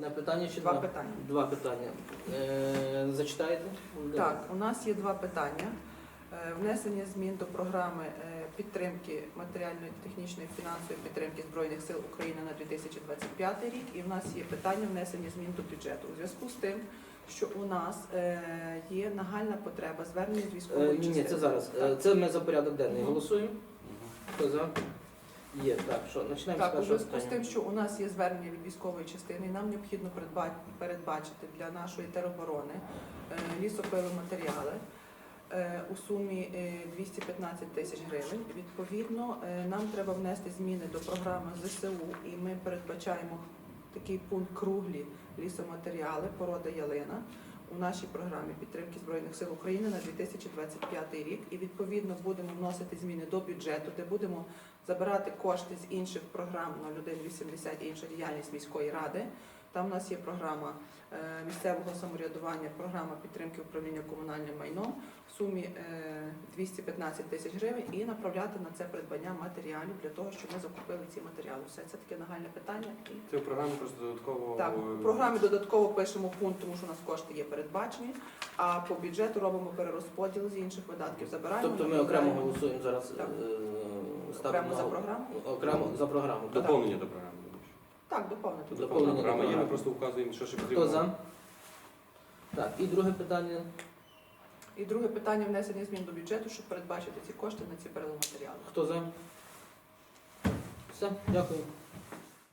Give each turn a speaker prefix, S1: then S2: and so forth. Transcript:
S1: питання чи
S2: Два питання.
S1: Два питання. Зачитаєте?
S2: Так, у нас є два питання. Внесення змін до програми підтримки матеріальної, технічної, фінансової підтримки Збройних сил України на 2025 рік. І в нас є питання внесення змін до бюджету. У зв'язку з тим, що у нас є нагальна потреба звернення з військової частини.
S1: Ні, це зараз.
S2: Так.
S1: Це ми за порядок денний голосуємо. Хто за? Є. Так, що, починаємо з
S2: Так, у
S1: першого
S2: зв'язку з
S1: питання.
S2: тим, що у нас є звернення від військової частини, і нам необхідно передбачити для нашої тероборони лісопиломатеріали у сумі 215 тисяч гривень. Відповідно, нам треба внести зміни до програми ЗСУ, і ми передбачаємо такий пункт круглі лісоматеріали, порода ялина у нашій програмі підтримки Збройних сил України на 2025 рік. І відповідно будемо вносити зміни до бюджету, де будемо забирати кошти з інших програм 0180 інша діяльність міської ради. Там у нас є програма місцевого самоврядування, програма підтримки управління комунальним майном в сумі 215 тисяч гривень і направляти на це придбання матеріалів для того, щоб ми закупили ці матеріали. Все це таке нагальне питання.
S3: Це в програмі просто додатково...
S2: Так, в програмі додатково пишемо пункт, тому що у нас кошти є передбачені, а по бюджету робимо перерозподіл з інших видатків. Забираємо.
S1: Тобто ми окремо голосуємо зараз.
S2: Так.
S1: Ставимо
S2: Окремо за програму?
S1: Окремо за програму. так.
S3: Доповнення до програми.
S2: Так, доповнити.
S1: Доповнення до
S3: Програма є, ми
S1: програми.
S3: просто вказуємо, що ще потрібно.
S1: Хто за? Так, і друге питання.
S2: І друге питання внесення змін до бюджету, щоб передбачити ці кошти на ці переломатеріали.
S1: Хто за? Все, дякую.